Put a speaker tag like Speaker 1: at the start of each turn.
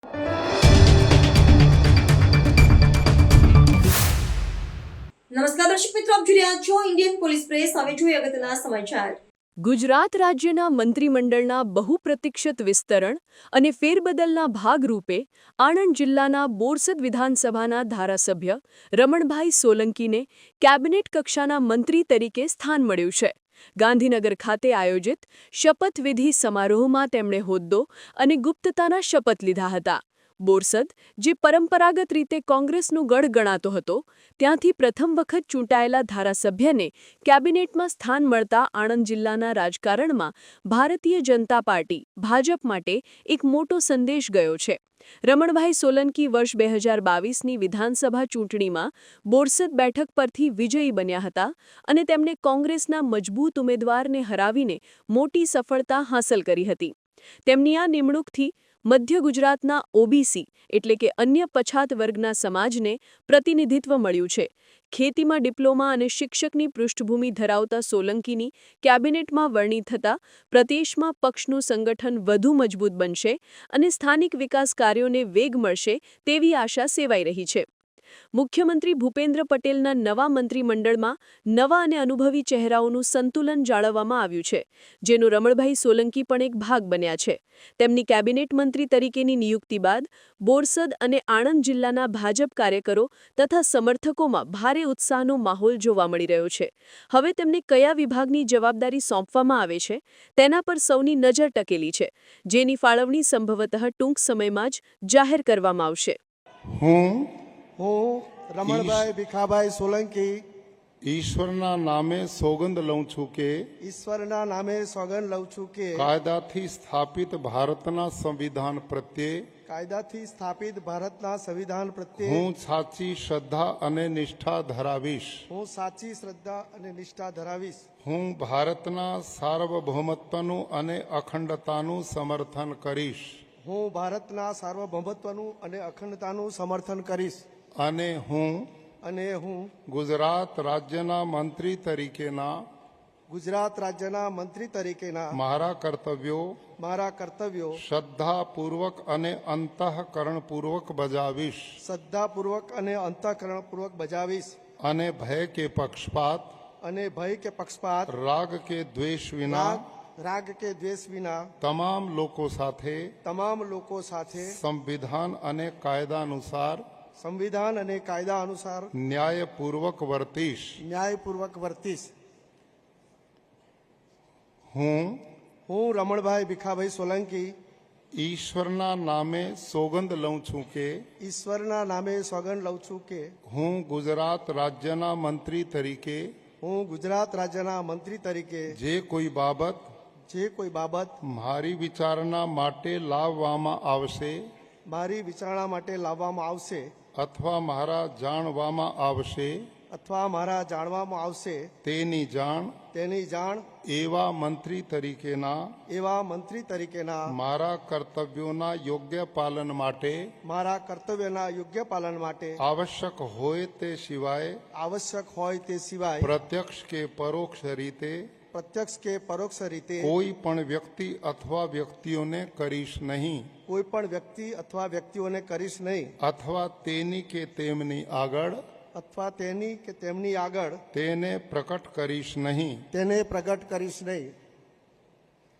Speaker 1: નમસ્કાર દર્શક મિત્રો, આપ જોઈ રહ્યા છો ઇન્ડિયન પોલીસ પ્રેસ. હવે જોઈએ અગત્યના સમાચાર.
Speaker 2: ગુજરાત રાજ્યના મંત્રીમંડળના બહુપ્રતીક્ષિત વિસ્તરણ અને ફેરબદલના ભાગરૂપે આણંદ જિલ્લાના બોરસદ વિધાનસભાના ધારાસભ્ય રમણભાઈ સોલંકીને કેબિનેટ કક્ષાના મંત્રી તરીકે સ્થાન મળ્યું છે. ગાંધીનગર ખાતે આયોજિત શપથવિધિ સમારોહમાં તેમણે હોદ્દો અને ગુપ્તતાના શપથ લીધા હતા. બોરસદ, જે પરંપરાગત રીતે કોંગ્રેસનો ગઢ ગણાતો હતો, ત્યાંથી પ્રથમ વખત ચૂંટાયેલા ધારાસભ્યને કેબિનેટમાં સ્થાન મળતા આણંદ જિલ્લાના રાજકારણમાં ભારતીય જનતા પાર્ટી ભાજપ માટે એક મોટો સંદેશ ગયો છે. રમણભાઈ સોલંકી વર્ષ 2022ની વિધાનસભા ચૂંટણીમાં બોરસદ બેઠક પરથી વિજયી બન્યા હતા અને તેમણે કોંગ્રેસના મજબૂત ઉમેદવારને હરાવીને મોટી સફળતા હાંસલ કરી હતી. તેમની આ નિમણૂકથી મધ્ય ગુજરાતના ઓબીસી એટલે કે અન્ય પછાત વર્ગના સમાજને પ્રતિનિધિત્વ મળ્યું છે. ખેતીમાં ડિપ્લોમા અને શિક્ષકની પૃષ્ઠભૂમિ ધરાવતા સોલંકીની કેબિનેટમાં વરણી થતાં પ્રદેશમાં પક્ષનું સંગઠન વધુ મજબૂત બનશે અને સ્થાનિક વિકાસ કાર્યોને વેગ મળશે તેવી આશા સેવાઈ રહી છે. મુખ્યમંત્રી ભૂપેન્દ્ર પટેલના નવા મંત્રીમંડળમાં નવા અને અનુભવી ચહેરાઓનું સંતુલન જાળવવામાં આવ્યું છે, જેનો રમણભાઈ સોલંકી પણ એક ભાગ બન્યા છે. તેમની કેબિનેટ મંત્રી તરીકેની નિયુક્તિ બાદ બોરસદ અને આણંદ જિલ્લાના ભાજપ કાર્યકરો તથા સમર્થકોમાં ભારે ઉત્સાહનો માહોલ જોવા મળી રહ્યો છે. હવે તેમને કયા વિભાગની જવાબદારી સોંપવામાં આવે છે તેના પર સૌની નજર ટકેલી છે, જેની ફાળવણી સંભવતઃ ટૂંક સમયમાં જ જાહેર કરવામાં આવશે.
Speaker 3: હું
Speaker 4: રમણભાઈ ભીખાભાઈ સોલંકી
Speaker 3: ઈશ્વરના નામે સોગંદ લઉં છું કે
Speaker 4: ઈશ્વરના નામે સોગંદ લઉં છું કે
Speaker 3: કાયદાથી સ્થાપિત ભારતના સંવિધાન પ્રત્યે
Speaker 4: કાયદાથી સ્થાપિત ભારતના સંવિધાન પ્રત્યે
Speaker 3: હું સાચી શ્રદ્ધા અને નિષ્ઠા ધરાવીશ.
Speaker 4: હું સાચી શ્રદ્ધા અને નિષ્ઠા ધરાવીશ.
Speaker 3: હું ભારતના સાર્વભૌમત્વનું અને અખંડતાનું સમર્થન કરીશ.
Speaker 4: હું ભારતના સાર્વભૌમત્વનું અને અખંડતાનું સમર્થન કરીશ.
Speaker 3: અને હું ગુજરાત રાજ્યના મંત્રી તરીકેના મારા કર્તવ્યો શ્રદ્ધાપૂર્વક અને અંતઃકરણપૂર્વક બજાવીશ. અને ભય કે પક્ષપાત રાગ કે દ્વેષ વિના તમામ લોકો સાથે સંવિધાન અને કાયદા અનુસાર ન્યાયપૂર્વક વર્તીશ. હું
Speaker 4: રમણભાઈ ભીખાભાઈ સોલંકી
Speaker 3: ઈશ્વરના નામે સોગંદ લઉં છું કે હું ગુજરાત રાજ્યના મંત્રી તરીકે જે કોઈ બાબત મારી વિચારણા માટે લાવવામાં આવશે અથવા મારા જાણવામાં આવશે તેની જાણ એવા મંત્રી તરીકેના મારા કર્તવ્યોના યોગ્ય પાલન માટે આવશ્યક હોય તે સિવાય પ્રત્યક્ષ કે પરોક્ષ રીતે કોઈ પણ વ્યક્તિ અથવા વ્યક્તિઓને કરીશ નહીં. અથવા તેની કે તેમની આગળ તેને પ્રકટ કરીશ નહીં.